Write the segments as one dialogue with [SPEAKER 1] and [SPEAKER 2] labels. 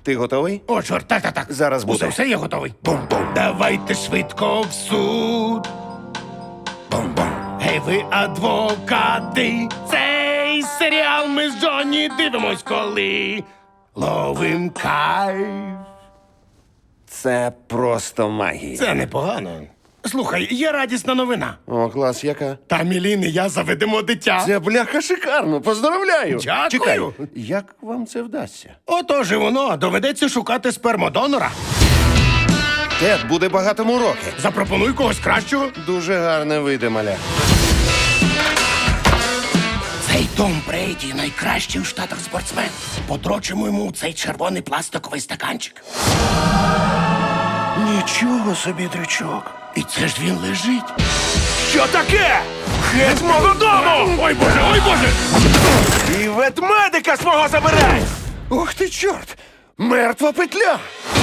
[SPEAKER 1] Ти готовий?
[SPEAKER 2] О, чорт, так.
[SPEAKER 1] Зараз буде.
[SPEAKER 2] Все, я готовий. Бум-бум. Давайте швидко в суд. Бум-бум. Гей, ви адвокати. Цей серіал ми з Джонні дивимось, коли ловим кайф.
[SPEAKER 1] Це просто магія.
[SPEAKER 2] Це непогано. Слухай, є радісна новина.
[SPEAKER 1] О, клас, яка?
[SPEAKER 2] Та Мілін і я заведемо дитя.
[SPEAKER 1] Це бляха шикарно, поздравляю.
[SPEAKER 2] Дякую.
[SPEAKER 1] Чекай, як вам це вдасться?
[SPEAKER 2] Отож і воно, доведеться шукати спермодонора.
[SPEAKER 1] Тед буде багатому роки.
[SPEAKER 2] Запропонуй когось кращого.
[SPEAKER 1] Дуже гарне вийде, маля.
[SPEAKER 2] Цей Том Брейді найкращий у Штатах спортсмен. Подрочимо йому цей червоний пластиковий стаканчик.
[SPEAKER 1] Нічого собі, дрючок.
[SPEAKER 2] І це ж він лежить.
[SPEAKER 3] Що таке? Геть мого дому!
[SPEAKER 2] Ой, Боже!
[SPEAKER 3] І ветмедика свого забирай!
[SPEAKER 1] Ух ти, чорт! Мертва петля!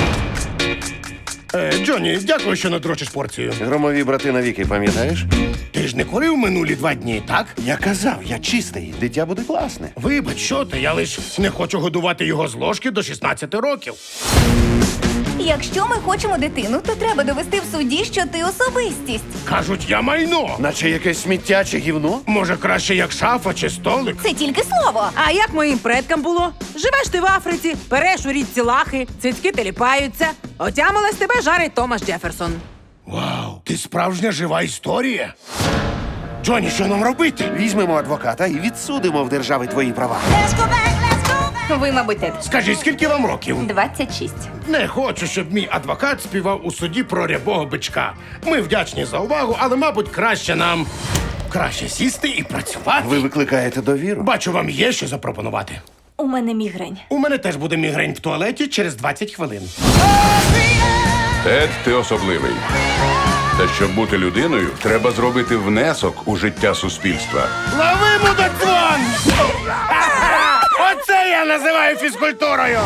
[SPEAKER 2] Джонні, дякую, що надрочиш порцію.
[SPEAKER 1] Громові брати навіки, пам'ятаєш?
[SPEAKER 2] Ти ж не курив минулі 2 дні, так?
[SPEAKER 1] Я казав, я чистий, дитя буде класне.
[SPEAKER 2] Вибач, що ти, я лиш не хочу годувати його з ложки до 16 років.
[SPEAKER 4] Якщо ми хочемо дитину, то треба довести в суді, що ти особистість.
[SPEAKER 2] Кажуть, я майно.
[SPEAKER 1] Наче якесь сміття чи гівно?
[SPEAKER 2] Може, краще як шафа чи столик?
[SPEAKER 4] Це тільки слово.
[SPEAKER 5] А як моїм предкам було? Живеш ти в Африці, переш у річці лахи, цицьки теліпаються. Отямилась тебе жарить Томас Джеферсон.
[SPEAKER 2] Вау, ти справжня жива історія. Джонні, що нам робити?
[SPEAKER 1] Візьмемо адвоката і відсудимо в держави твої права.
[SPEAKER 4] Ви, мабуть, Тед.
[SPEAKER 2] Скажіть, скільки вам років?
[SPEAKER 4] 26.
[SPEAKER 2] Не хочу, щоб мій адвокат співав у суді про рябого бичка. Ми вдячні за увагу, але, мабуть, краще сісти і працювати.
[SPEAKER 1] Ви викликаєте довіру?
[SPEAKER 2] Бачу, вам є що запропонувати.
[SPEAKER 4] У мене мігрень.
[SPEAKER 2] У мене теж буде мігрень в туалеті через 20 хвилин.
[SPEAKER 6] Тед, ти особливий. Та щоб бути людиною, треба зробити внесок у життя суспільства.
[SPEAKER 2] Лови, мудаквон! Оце я називаю фізкультурою!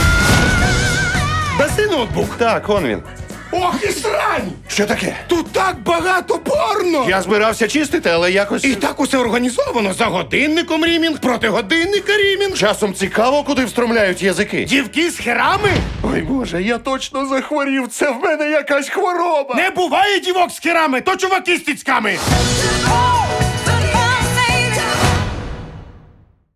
[SPEAKER 2] Даси ноутбук.
[SPEAKER 1] Так, он він.
[SPEAKER 2] Ох і срань!
[SPEAKER 1] Що таке?
[SPEAKER 2] Тут так багато порно!
[SPEAKER 1] Я збирався чистити, але якось...
[SPEAKER 2] І так усе організовано. За годинником рімінг, проти годинника рімінг.
[SPEAKER 1] Часом цікаво, куди встромляють язики.
[SPEAKER 2] Дівки з херами?
[SPEAKER 1] Ой, Боже, я точно захворів. Це в мене якась хвороба.
[SPEAKER 2] Не буває дівок з херами, то чуваки з тіцьками.